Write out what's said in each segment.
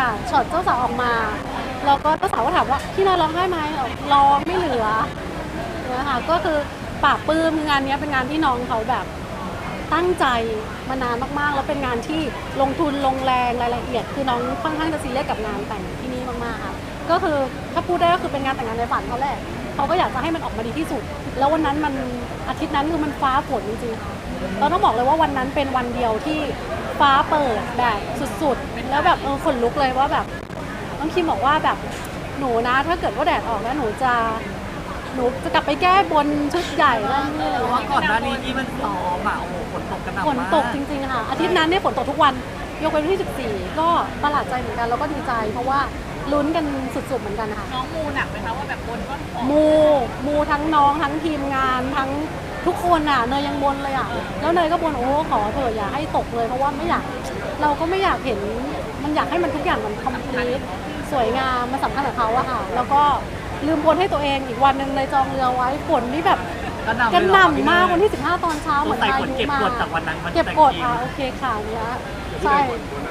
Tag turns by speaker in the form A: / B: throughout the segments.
A: ค่ะช็อตเจ้าสาวออกมาแล้วก็เจ้าสาวก็ถามว่าพี่นายร้องได้ไหมร้องไม่เหลือเนี่ยค่ะก็คือปราบปลื้มงานนี้เป็นงานที่น้องเขาแบบตั้งใจมานานมากๆแล้วเป็นงานที่ลงทุนลงแรงรายละเอียดคือน้องค่อนข้างจะซีเรียสกับงานแต่งที่นี่มากๆค่ะก็คือถ้าพูดได้ก็คือเป็นงานแต่งงานในฝันเขาแหละเขาก็อยากจะให้มันออกมาดีที่สุดแล้ววันนั้นมันอาทิตย์นั้นคือมันฟ้าฝนจริงๆค่ะเราต้องบอกเลยว่าวันนั้นเป็นวันเดียวที่ฟ้าเปิดแบบสุดๆแล้วแบบขนลุกเลยว่าแบบน้องคิมบอกว่าแบบหนูนะถ้าเกิดว่าแดดออกแล้วหนูจะกลับไปแก้บนชุดใหญ่นั่นนี่อะไร
B: เพราะว่า
A: เงี้ย
B: ก่อนหน้านี้ที่มันซ้อมอ่ะโอ้โหฝนตกกระหน่ำ
A: ฝ
B: มาก
A: นตกจริงๆค่ะอาทิตย์นั้นเนี่ยฝนตกทุกวันยกเว้นวันที่ 14ก็ประหลาดใจเหมือนกันแล้วก็ดีใจเพราะว่าลุ้นกันสุดๆเหมือนกันค่ะ
C: น้องมูหนักไหมคะว่าแบบบนก็ขอ
A: มูทั้งน้องทั้งทีมงานทั้งทุกคนอ่ะเนยยังบนเลยอ่ะแล้วเนยก็บนโอ้ขอเถอะอย่าให้ตกเลยเพราะว่าไม่อยากเราก็ไม่อยากเห็นมันอยากให้มันทุกอย่างมันคอมพลีทสวยงามมันสำคัญกับเขาอะค่ะแล้วก็ลืมบนให้ตัวเองอีกวันหนึ่งเลยจองเรือไว้ฝนนี่แบบ
B: กระหน่ำ
A: กระหน่ำมาก
B: เลย
A: วันที่ 15 ตอนเช้าเหมือน
B: ใส่
A: พา
B: ฝน
A: ยุ
B: เก็บ
A: มาก
B: ดจากวันนั้นมัน
A: เก็บกด
B: แต่งจริง
A: โอเคค่ะเนี้ยใช่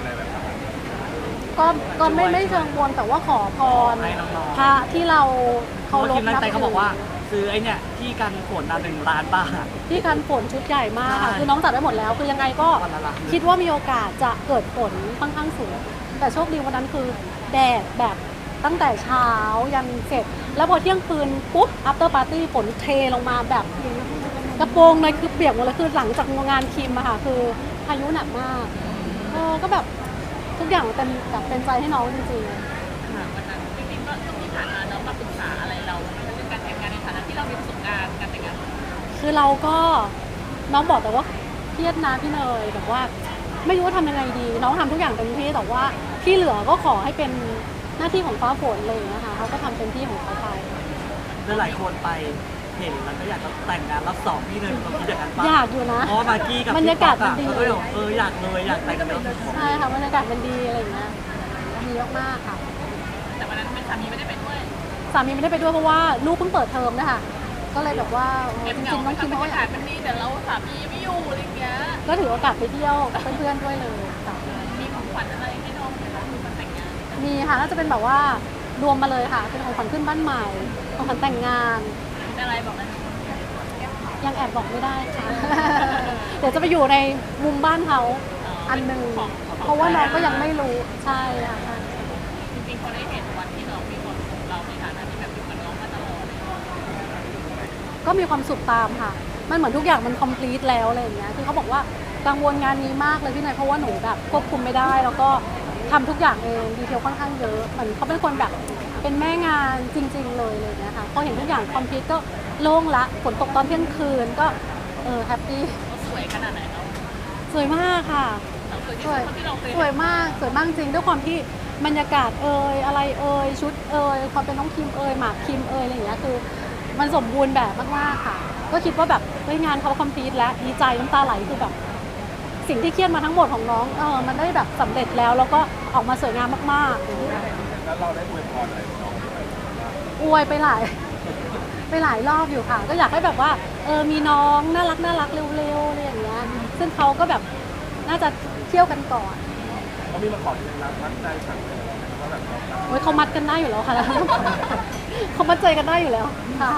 A: ก็ไม่เชิงบนแต่ว่าขอพร
B: ให้น้องๆ
A: พระที่เรา
B: เพราะ
A: เคา
B: ว่าร ที
A: พ
B: มตั้
A: นั
B: ง
A: บ
B: ใจเขา
A: ถื
B: บอกว่า ซื้อไอ้เนี่ยที่กันฝน1 ล้านบาท
A: ที่กันฝนชุดใหญ่มากค่ะ
B: ใช่
A: คือน้องจัดได้หมดแล้วคือยังไงก็
B: วันละล้าน
A: คิดว่ามีโอกาสจะเกิดฝนค่อนข้างสูงแต่โชคดีวันนั้นคือแดดแบบตั้งแต่เช้ายันเสร็จ แล้วพอเที่ยงคืนปุ๊บ after party ฝนเทลงมาแบบกระโปรงเลยคือเปียกหมดเลยคือหลังจากงานคิมอะค่ะคือพายุหนักมากก็แบบทุกอย่างเต็มแบบเป็นใจให้น้องจริงๆ
C: วันนั้นจริงๆก็ช่วงที่ผ่านมาน้องมาปรึกษาอะไรเราเรื่องการแต่งงานในฐานะที่เรามีประสบการณ์การแต่งงาน
A: คือเราก็น้องบอกแต่ว่าเครียดนะพี่เนยแบบว่าไม่รู้ว่าทำยังไงดี น้องทำทุกอย่างเต็มที่แต่ว่าที่เหลือก็ขอให้เป็นหน้าที่ของฟ้าฝนเลยนะคะเขาก็ทำเต็มที่ของเขาไป
B: หลายคนไปเห็นแล้วก็อยากจะแต่งงานรอบ2พี่เลยเราคิดอย่างนั้นปะ
A: อยากอยู่นะ
B: เพราะว่ามากกี้กับบ
A: รรยากาศมันดี
B: เขาก็เลยบอกอยากเลยอยากแต่งงานรอบสอง
A: ใช่ค่ะบรรยากาศมันดีอะไรอย่างเงี้ยดีมากๆค่ะ
C: แต่วันนั้นเป็นสามีไม่ได้ไปด้วย
A: สามีไม่ได้ไปด้วยเพราะว่าลูกเพิ่งเปิดเทอมนะคะก็เลยแบบว่า
C: เก็บ
A: จ
C: เหงา
A: ริงๆน้องคิม
C: บร
A: เขา
C: ร
A: ก็
C: ยากาศมันดีแต่เราสามีไม่อยู่อะไรเงี้ย
A: ก็ถือโอกาสไปเที่ยวกับเพื่อนๆด้วยเลยค่ะ
C: มีของขวัญอะไรให้น้องไหมคะวันแต่งงาน
A: มีค่ะน่าจะเป็นแบบว่ารวมมาเลยค่ะเป็นของขวัญขึ้นบ้านใหม่ของขวัญแต่งงาน
C: เป็นอะไรบอกได้ไหม
A: ยังแอบบอกไม่ได้ค่ะ เดี๋ยวจะไปอยู่ในมุมบ้านเขาอันหนึ่งเพราะว่าน้องก็ยังไม่รู้ใช่ค่ะใช่
C: จริงๆเขาได้เห็นวันที่น้องมีความสุขเราในฐานะที่แบบอยู่กับน้องมาตลอด
A: ก็มีความสุขตามค่ะ มันเหมือนทุกอย่างมันคอมพลีทแล้วอะไรอย่างเงี้ยคือเขาบอกว่ากังวลงานนี้มากเลยพี่นายเพราะว่าหนูแบบควบคุมไม่ได้ แล้วก็ทำทุกอย่างเองดีเทลค่อนข้างเยอะเหมือนเขาเป็นคนแบบเป็นแม่งานจริงๆเลยเลยนะคะพอเห็นทุกอย่างคอมพลีทก็โล่งละฝนตกตอนเที่ยงคืนก็แฮปปี้
C: เขาสวยขนาดไหนเรา
A: สวยมากค่ะ
C: เราสวยที่
A: ส
C: สุ
A: วย
C: ดเท่าที่เราเคย
A: สวยมากสวยมากจริงด้วยความที่บรรยากาศอะไรชุดความเป็นน้องคิมหมากคิมอะไรอย่างเงี้ยคือมันสมบูรณ์แบบมากๆค่ะ ก็คิดว่าแบบงานเขาคอมพลีทแล้วดีใจน้ำตาไหลคือแบบสิ่งที่เครียดมาทั้งหมดของน้องมันได้แบบสำเร็จแล้วก็ออกมาสวยงามมากๆแล้วเราได้อวยพรอะไรน้องอวยไปหลายรอบอยู่ค่ะ ก็อยากให้แบบว่ามีน้องน่ารักเร็วๆอะไรอย่างเงี้ยซึ่งเขาก็แบบน่าจะเที่ยวกันก่อน
D: เขามีมาขอเป็นรักมัดใจสั่งเลยว่าแบบ
A: โอ้ยเขามัดกันได้อยู่แล้วค่ะ เขามัดใจกันได้อยู่แล้วค่ะ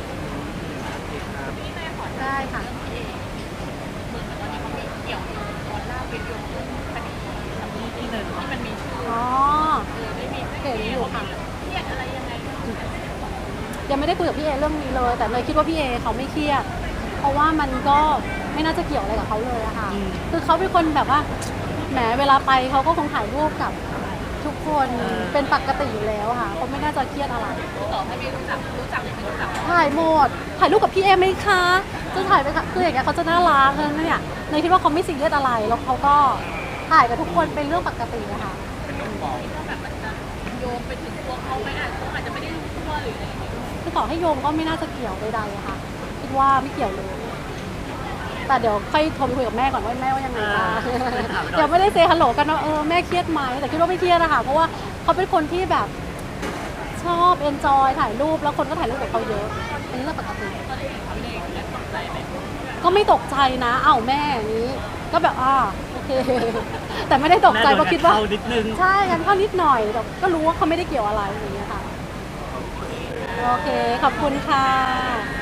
C: ที่แม่ขอ
A: ได้ค่ะ
C: พี่เอเหมือนกับตอนนี้เขามีเกี่ยวตอนล่าเป็นโยงคดีสามีที่มันมีชื่อ
A: อ๋อ
C: ได้มี
A: เห็นอยู่ค่ะ
C: เครียดอะไรยังไง
A: ยังไม่ได้คุยกับพี่เอเรื่องนี้เลย แต่เลยคิดว่าพี่เอเขาไม่เครียดเพราะว่ามันก็ไม่น่าจะเกี่ยวอะไรกับเขาเลยอะค่ะคือเขาเป็นคนแบบว่าแหมเวลาไปเขาก็คงถ่ายรูปกับทุกคนเป็นปกติอยู่แล้วค่ะเขาไม่น่าจะเครียดอะไร
C: ต่อให้ไม่รู้จักหรือไม่รู้จัก
A: ถ่ายหมดถ่ายรูปกับพี่เอไหมคะจะถ่ายไปค่ะคืออย่างเงี้ยเขาจะน่ารักเลยเนี่ยเลยคิดว่าเขาไม่ซีเรียสอะไรแล้วเขาก็ถ่ายกับทุกคนเป็นเรื่องปกติอะค่ะ
C: ก็แบบมันจะโยงไปถึงตัวเขาไหมเขาอาจจะไม่ได้รู้ตัวหรืออะไรอย่างเงี้ย
A: คือต่อให้โยงก็ไม่น่าจะเกี่ยวใดๆอะค่ะคิดว่าไม่เกี่ยวเลย แต่เดี๋ยวค่อยโทรไปคุยกับแม่ก่อนว่าแม่ว่ายังไงบ้างเดี๋ยวไม่ได้เซฮัลโหลกันว่าแม่เครียดไหมแต่คิดว่าไม่เครียดนะคะเพราะว่าเขาเป็นคนที่แบบชอบเอนจอยถ่ายรูปแล้วคนก็ถ่ายรูปกับเขาเยอะเป็นเรื่องปกติ
C: ก็ได้เห็นเขาในแล้วตกใจไหม
A: ก็ไม่ตกใจนะแม่อย่างนี้ ก็แบบโอเคเค แต่ไม่ได้ตกใจเพราะคิดว่า
B: แม่โนงนเข้นิดนึง
A: ใช่กันเข้านิดหน่อยแต่ก็รู้ว่าเขาไม่ได้เกี่ยวอะไรอย่างเงี้ยค่ะ โอเค ขอบคุณค่ะ